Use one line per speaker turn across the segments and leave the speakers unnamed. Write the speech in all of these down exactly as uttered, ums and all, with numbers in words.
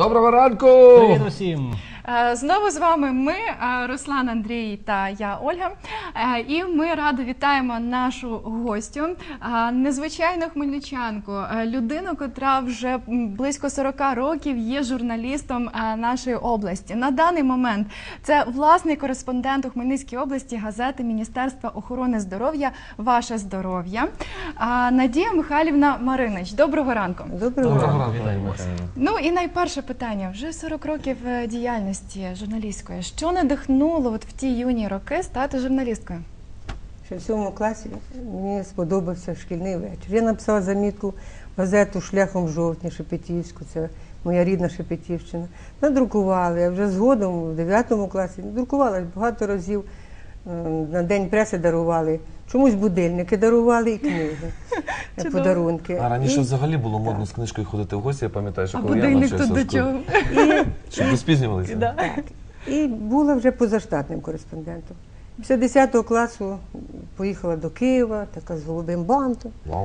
Доброго ранку!
Привіт усім!
Знову з вами ми, Руслан, Андрій та я, Ольга. І ми радо вітаємо нашу гостю, незвичайну хмельничанку, людину, котра вже близько сорока років є журналістом нашої області. На даний момент це власний кореспондент у Хмельницькій області газети Міністерства охорони здоров'я «Ваше здоров'я» Надія Михайлівна Маринич. Доброго ранку!
Доброго ранку! Вітаємо!
Ну і найперше питання. Вже сорок років діяльності журналістської. Що надихнуло от в ті юні роки стати журналісткою?
Ще в сьомому класі мені сподобався шкільний вечір. Я написала замітку в газету «Шляхом жовтня» Шепетівську, це моя рідна Шепетівщина. Надрукували, я вже згодом в дев'ятому класі друкувала багато разів, на День преси дарували. Чомусь будильники дарували і книги, подарунки.
А раніше
і...
взагалі було модно
так.
з книжкою ходити в гості, я пам'ятаю, що
а
коли я навчався в школі. А будильник
тут до чого?
Щоб не спізнювалися.
Да.
Так. І була вже позаштатним кореспондентом. Після десятого класу поїхала до Києва, така з голубим бантом.
Вау.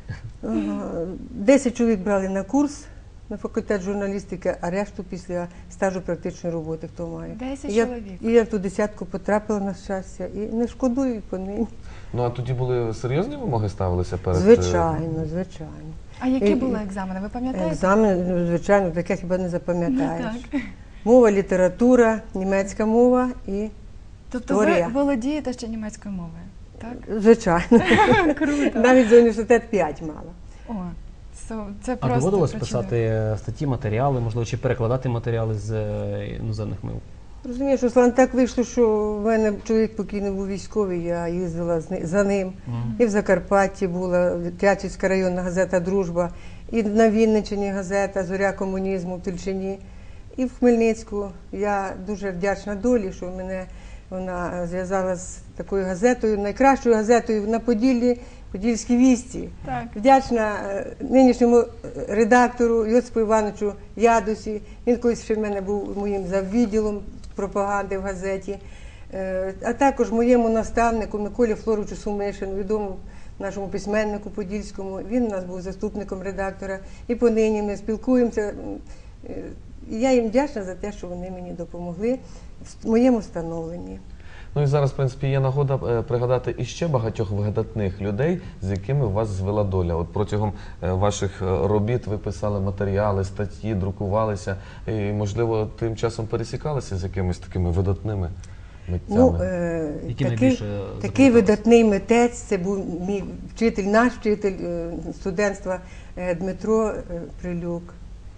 Десять чоловік брали на курс на факультет журналістики, а решту після стажу практичної роботи, хто має.
Десять чоловік.
І я в ту десятку потрапила, на щастя, і не шкодую по нині.
Ну, а тоді були серйозні вимоги ставилися перед...
Звичайно, звичайно.
А які були екзамени, ви пам'ятаєте?
Екзамени, звичайно, таке хіба не запам'ятаєш.
Так.
Мова, література, німецька мова і
Тобто
історія.
ви володієте ще німецькою мовою, так?
Звичайно.
Круто.
Навіть за університет п'ять мала.
О, це, це
А
просто
доводилось
причудово.
писати статті, матеріали, можливо, чи перекладати матеріали з е, іноземних мов?
Розумієш, Руслан, так вийшло, що в мене чоловік покійний був військовий, я їздила з ни- за ним.
Мгм.
І в Закарпатті була Тячівська районна газета «Дружба», і на Вінниччині газета «Зоря комунізму» в Тульчині, і в Хмельницьку. Я дуже вдячна долі, що мене вона зв'язала з такою газетою, найкращою газетою на Поділлі, «Подільські вісті».
Так.
Вдячна е, нинішньому редактору Йосипу Івановичу Ядусі. Він колись ще в мене був моїм заввідділом пропаганди в газеті. Е, А також моєму наставнику Миколі Флоровичу Сумишину, відомому нашому письменнику подільському. Він у нас був заступником редактора. І понині ми спілкуємося. Е, І я їм вдячна за те, що вони мені допомогли в моєму становленні.
Ну і зараз, в принципі, є нагода е, пригадати іще багатьох видатних людей, з якими вас звела доля. От протягом е, ваших е, робіт ви писали матеріали, статті, друкувалися, і, можливо, тим часом пересікалися з якимись такими видатними митцями.
Ну, е,
Які
такий,
найбільше
такий
запам'яталися?
видатний митець, це був мій вчитель, наш вчитель е, студентства е, Дмитро е, Прилюк,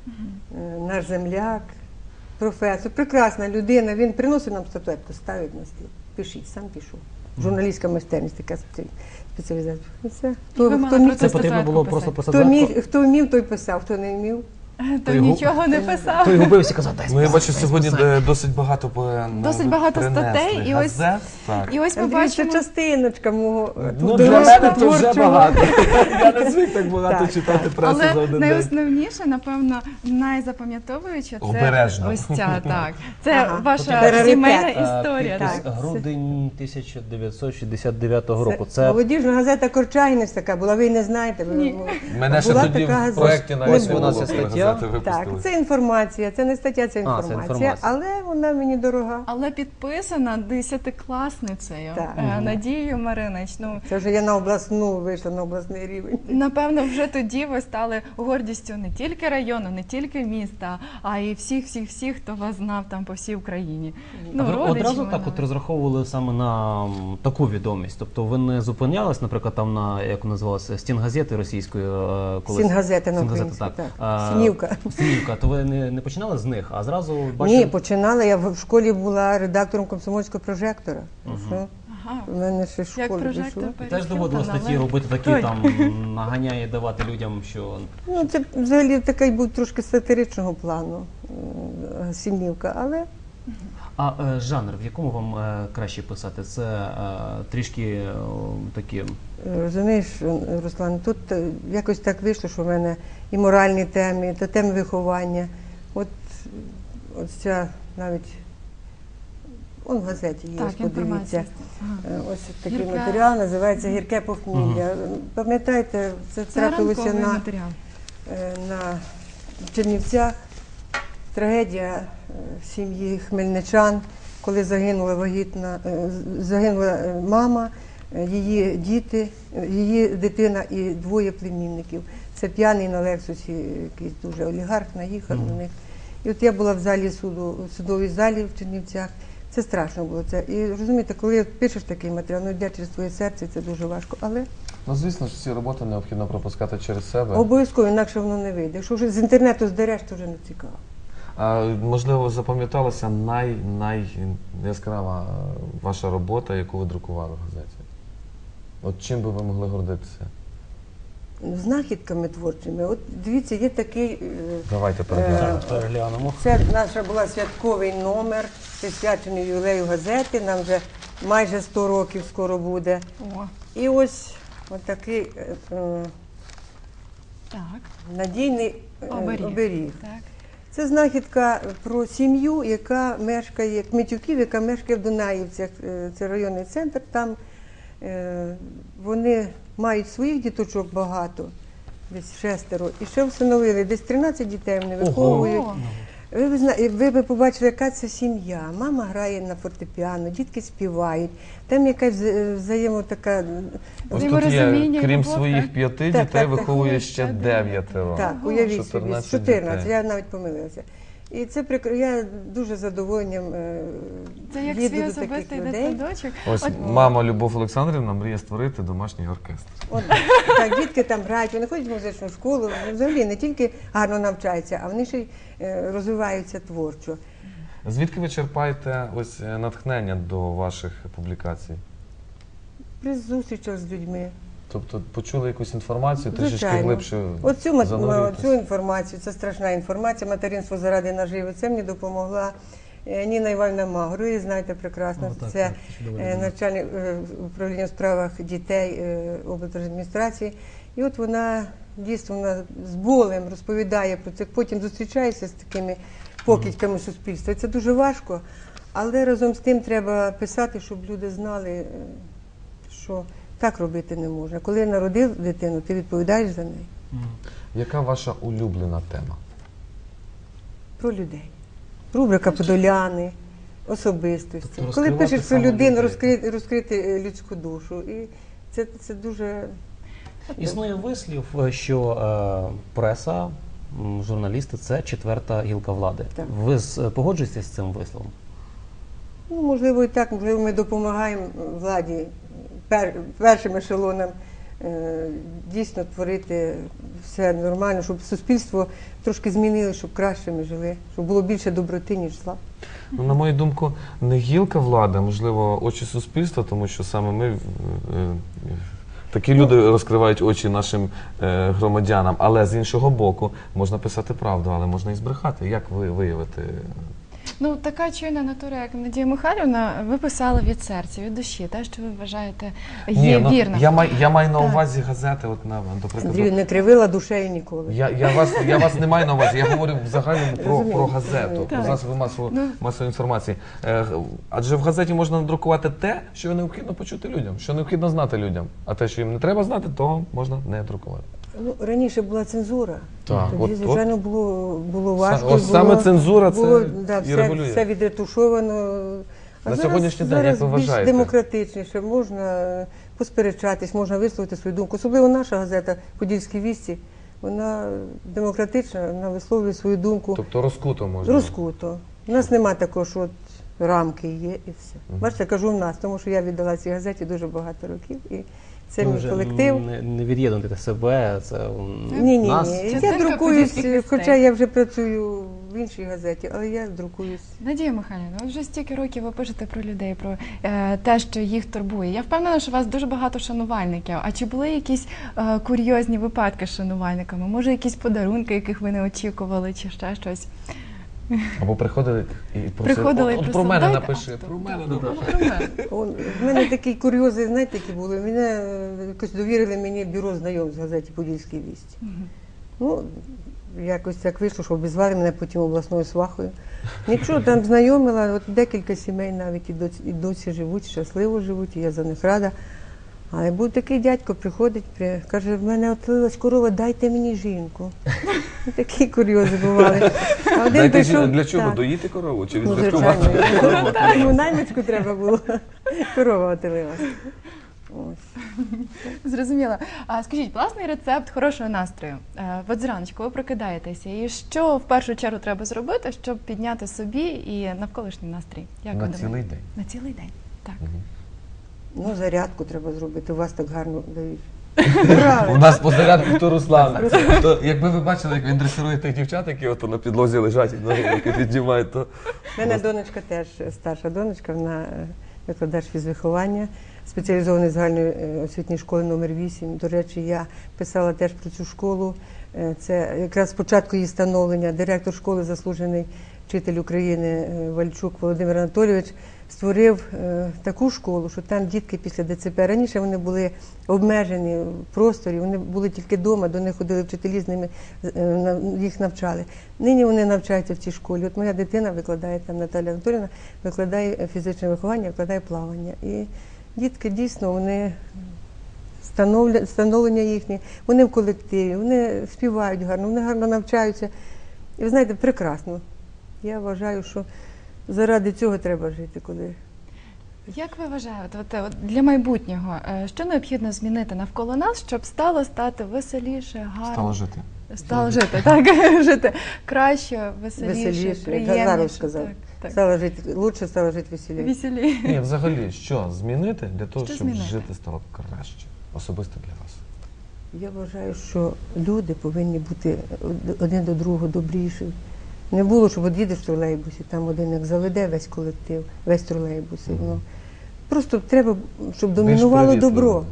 е, наш земляк, професор, прекрасна людина. Він приносить нам статуетку, ставить на стіл. Пишіть, сам пишу. Журналістська майстерність, така спеці- спеціалізація. І все. Хто,
ви мали
хто, міг,
про
Це
Це
потрібно було
статуетку
просто
писати.
писати.
хто, міг, хто вмів, той писав, хто не вмів.
То
Той губ-
нічого не писав.
Той губився і казав, дай
Ну, я
списати,
бачу,
дай
сьогодні
списати.
е, досить багато по-
Досить
ви
багато
принесли
статей, і ось-
газет. Так.
І ось ми
Андрій, це
бачимо...
частиночка мого е,
Ну,
тут
для мене
дорослого
то вже
творчого.
багато. Я не звик так багато
Так,
читати
так.
пресу за
Але
один день.
найосновніше, напевно, найзапам'ятовуюче це
Обережно.
ось ця, так. Це
Ага.
ваша
Раритет.
сімейна
Е,
історія.
підпис
Так.
грудень тисяча дев'ятсот шістдесят дев'ятого року.
Це
Це
молодіжна газета «Корчайнець» така була, ви не знаєте. Ви,
Ні.
Мене ще
була
тоді
така
в
газета.
проєкті
Не
навіть не
було.
було,
Вона ця
коли
стаття.
газети
Так,
випустили.
це інформація, це не стаття, це інформація,
інформація.
але вона мені дорога.
Але підписана десятикласницею
Так.
е, Надією Маринич. Ну,
Це вже я на обласну вийшла, на обласний рівень.
напевно, вже тоді ви стали гордістю не тільки району, не тільки міста, а й всіх-всіх-всіх, хто вас знав там по всій Україні.
А ви
родичі
одразу
ви
так от
навіть.
розраховували саме на м, таку відомість? Тобто ви не зупинялись, наприклад, там на, як називалося, стінгазети російської? е, колись?
Стінгазета на
Стінгазета,
українську, так.
А,
Синівка.
Синівка. То ви не, не починали з них, а зразу бачили?
Ні, починала, я в в школі була редактором комсомольського прожектора. Що?
Ага.
У мене ще в
Як
школі
прожектор
пішло.
І теж
перехилена,
доводилось статті
але-
робити такі,
Той.
там, наганяє давати людям, що...
Ну, це взагалі такий був трошки сатиричного плану е, Синівка, але
А е, жанр, в якому вам е, краще писати? Це е, трішки е, такі...
розумієш, Руслан, тут е, якось так вийшло, що в мене і моральні теми, та теми виховання. От, от ця навіть, он в газеті є,
Так,
ось подивіться.
інформація. Ага.
Е, Ось такий
Гірке.
матеріал, називається «Гірке похмілля». Пам'ятаєте, це
Це
трапилося
ранковий
на,
матеріал.
е, на Чернівцях. трагедія е, сім'ї хмельничан, коли загинула вагітна, е, загинула е, мама, е, її діти, е, її дитина і двоє племінників. Це п'яний на Лексусі, якийсь дуже олігарх, наїхав на них. І от я була в залі суду, в судовій залі в Чернівцях. Це страшно було. Це. І розумієте, коли пишеш такий матеріал, ну йде через твоє серце, це дуже важко. Але
Ну, звісно ж, ці роботи необхідно пропускати через себе.
обов'язково, інакше воно не вийде. Якщо вже з інтернету здереш, то вже не цікаво.
А, можливо, запам'яталася най, най яскрава е, ваша робота, яку ви друкували в газеті? От чим би ви могли гордитися?
Знахідками творчими. От дивіться, є такий. е,
Давайте переглянемо.
Е,
Переглянемо.
Це наша була святковий номер, присвячений ювілею газети. Нам вже майже сто років скоро буде.
О,
І ось отакий е, е,
так,
надійний е,
оберіг.
оберіг.
Так.
Це знахідка про сім'ю, яка мешкає, Кмитюків, яка мешкає в Дунаївцях. Е, Це районний центр. Там е, вони мають своїх діточок багато, десь шестеро. І ще всиновили, десь тринадцять дітей вони виховують.
О,
Ви, ви, зна- ви б побачили, яка це сім'я. Мама грає на фортепіано, дітки співають. Там якась вза- взаємо така.
Ось тут є,
Взаєморозуміння,
крім
любов,
своїх
так?
п'яти
Так,
дітей,
так, так.
виховує ще
Ще
дев'ятеро.
Так,
Ого.
уявіть собі,
чотирнадцять
чотирнадцять,
дітей.
я навіть помилилася. І це прикро. Я дуже задоволенням е,
Це як
їду
свій
до таких
особистий
людей.
дитсадочок.
Ось
От,
мама Любов Олександрівна мріє створити домашній оркестр.
От, так, дітки там грають, вони ходять в музичну школу, взагалі не тільки гарно навчаються, а вони ще й е, розвиваються творчо.
Звідки ви черпаєте ось е, натхнення до ваших публікацій?
При зустрічах з людьми.
Тобто почули якусь інформацію, трішечки
Звичайно.
глибше
Оцю, мат-
занурюєтесь?
цю інформацію, це страшна інформація, материнство заради наживи. Це мені допомогла е, Ніна Іванівна Магор, ви її знаєте прекрасно.
О, так,
це
так, чудово
е,
людина.
начальник е, управління у справах дітей е, облдержадміністрації. І от вона дійсно вона з болем розповідає про це, потім зустрічається з такими покидьками суспільства. І це дуже важко, але разом з тим треба писати, щоб люди знали, е, що так робити не можна. Коли народив дитину, ти відповідаєш за неї.
Яка ваша улюблена тема?
Про людей. Рубрика Подоляни, особистості.
Тобто
Коли
розкривати
пишеш про
саме
людину,
людей.
розкрити, розкрити е, людську душу. І це, це дуже.
Існує вислів, що е, преса, м, журналісти це четверта гілка влади.
Так.
Ви з- погоджуєтеся з цим висловом?
Ну, можливо, і так, можливо, ми допомагаємо владі пер, першим ешелонам е, дійсно творити все нормально, щоб суспільство трошки змінило, щоб краще ми жили, щоб було більше доброти, ніж зла.
Ну, на мою думку, не гілка влади, а, можливо, очі суспільства, тому що саме ми, е, е, такі люди розкривають очі нашим е, громадянам, але з іншого боку, можна писати правду, але можна і збрехати. Як ви виявити?
Ну, така чуйна натура, як Надія Михайлівна, ви писали від серця, від душі, те, що ви вважаєте є
ну,
вірним.
я, май, я маю на
Так.
увазі газети, от, на, до прикладу.
Андрію, не кривила душею ніколи.
Я, я, вас, я вас не маю на увазі, я говорю в загальному про,
Розумію,
про газету,
розумію.
про
Так.
засоби масової,
Ну.
масової інформації. Е, адже в газеті можна надрукувати те, що необхідно почути людям, що необхідно знати людям. А те, що їм не треба знати, того можна не друкувати.
Ну, раніше була цензура.
Так,
Тоді,
от-
звичайно, було, було важко.
Ось
було,
саме цензура це
було, да,
і
все,
регулює.
все відретушовано. А
На
зараз,
сьогоднішній день,
зараз
як ви
більш
вважаєте?
демократичніше, можна посперечатись, можна висловити свою думку. Особливо наша газета «Подільські вісті», вона демократична, вона висловлює свою думку
Тобто розкуто можна.
розкуто. У нас нема такого, що от рамки є і все. Бачите, я кажу в нас, тому що я віддала цій газеті дуже багато років. І це
Ви
мій
вже
колектив.
Не, не від'єднуйте себе, це м,
Ні, ні,
нас.
ні. Я
Частинка
друкуюсь,
подільських
хоча
вістей.
я вже працюю в іншій газеті, але я друкуюсь.
Надія Михайлівна, ви вже стільки років ви пишете про людей, про е, те, що їх турбує. Я впевнена, що у вас дуже багато шанувальників. А чи були якісь е, курйозні випадки з шанувальниками? Може, якісь подарунки, яких ви не очікували, чи ще щось?
Або приходили і просили,
Приходили і
от, от про
просили,
мене
«Дайте».
напиши,
А,
про
так,
мене
так,
напиши.
про мене.
Он, в мене такі курйози, знаєте, які були. Мене е, якось довірили мені бюро знайомств в газеті «Подільські вісті». Ну, якось так вийшло, що обізвали мене потім обласною свахою. Нічого, там знайомила, от декілька сімей навіть і досі, і досі живуть, щасливо живуть, і я за них рада. Але був такий дядько, приходить, при- каже, в мене отлилась корова, дайте мені жінку. І такі курйози бували. А один
Дайте
прийшов-
жін- для чого?
так.
Доїти корову чи
Ну,
відсвяткувати?
звичайно. Йому наймичку треба було. Корова отелилась. Ось.
Зрозуміло. А скажіть, власний рецепт хорошого настрою. Е, От зраночку ви прокидаєтеся, і що в першу чергу треба зробити, щоб підняти собі і навколишній настрій? Як ви
На
думаєте?
цілий день.
На цілий день. Так.
Ну, зарядку треба зробити, у вас так гарно дають.
У
Правильно.
нас по зарядку то Руслан. То, якби ви бачили, як він дресирує тих дівчат, які ото на підлозі лежать і ноги руки піднімають, то
У мене донечка теж, старша донечка, вона е, викладач фізвиховання, спеціалізованої загальної е, освітньої школи номер вісім. До речі, я писала теж про цю школу. Е, Це якраз спочатку її становлення. Директор школи, заслужений вчитель України е, Вальчук Володимир Анатолійович, створив е, таку школу, що там дітки після ДЦП, раніше вони були обмежені в просторі, вони були тільки вдома, до них ходили вчителі, з ними е, на- їх навчали. Нині вони навчаються в цій школі. От моя дитина викладає, там Наталя Анатоліївна, викладає фізичне виховання, викладає плавання. І дітки дійсно, вони становля- становлення їхнє, вони в колективі, вони співають гарно, вони гарно навчаються. І ви знаєте, прекрасно. Я вважаю, що заради цього треба жити, коли
Як ви вважаєте, от, от для майбутнього, е, що необхідно змінити навколо нас, щоб стало стати веселіше, гарно?
стало жити.
Стало жити, так, жити краще, веселіше,
веселіше, як
приємніше.
Газаров сказав.
Так, так.
Стало жити, лучше стало жити веселіше.
Веселі.
Ні, взагалі, що змінити для того,
Що
щоб
змінити?
жити стало краще? Особисто для вас.
Я вважаю, що люди повинні бути один до другого добріші. Не було, щоб от їдеш в тролейбусі, там один як заведе весь колектив, весь тролейбус. і воно. Просто треба, щоб домінувало
Більш
добро.
привітливо.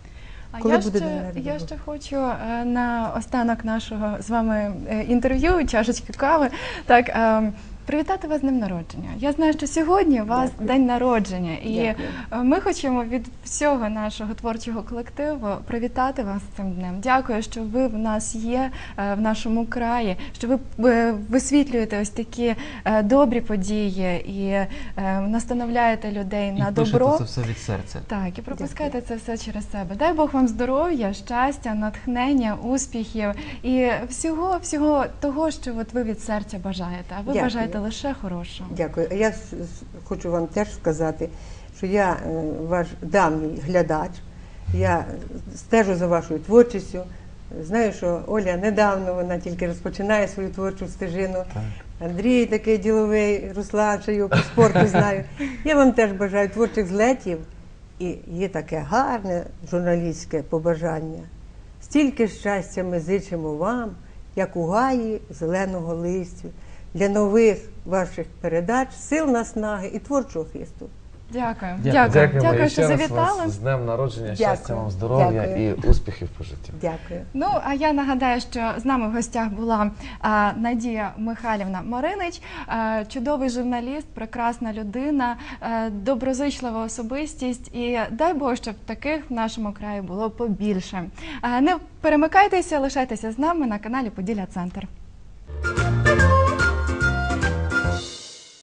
А
Коли
я
буде
ще,
День народження?
я ще хочу е, на останок нашого з вами е, інтерв'ю, чашечки кави, так, е, привітати вас з днем народження. Я знаю, що сьогодні у вас
Дякую.
день народження, і
Дякую.
е, ми хочемо від всього нашого творчого колективу привітати вас з цим днем. Дякую, що ви в нас є е, в нашому краї, що ви е, висвітлюєте ось такі е, добрі події і е, настановляєте людей
І
на
пишете
добро.
це все від серця.
Так, і пропускайте це все через себе. Дай Бог вам здоров'я, щастя, натхнення, успіхів і всього, всього того, що от ви від серця бажаєте. А ви
Дякую.
бажаєте лише хорошого.
Дякую. А я с- с- хочу вам теж сказати, що я е, ваш давній глядач, я стежу за вашою творчістю. Знаю, що Оля недавно, вона тільки розпочинає свою творчу стежину. Андрій такий діловий, Руслан, що його по спорту знаю. Я вам теж бажаю творчих злетів. І є таке гарне журналістське побажання. Стільки щастя ми зичимо вам, як у гаї зеленого листю, для нових ваших передач, сил наснаги і творчого хисту.
Дякую.
Дякую.
Дякую,
Дякуємо
Дякую,
і
що
ще раз
завітали.
вас з днем народження,
Дякую.
щастя вам, здоров'я
Дякую.
і успіхів по життю.
Дякую.
Ну, а я нагадаю, що з нами в гостях була а, Надія Михайлівна Маринич, а, чудовий журналіст, прекрасна людина, а, доброзичлива особистість. І дай Бог, щоб таких в нашому краї було побільше. А, не перемикайтеся, лишайтеся з нами на каналі Поділля Центр.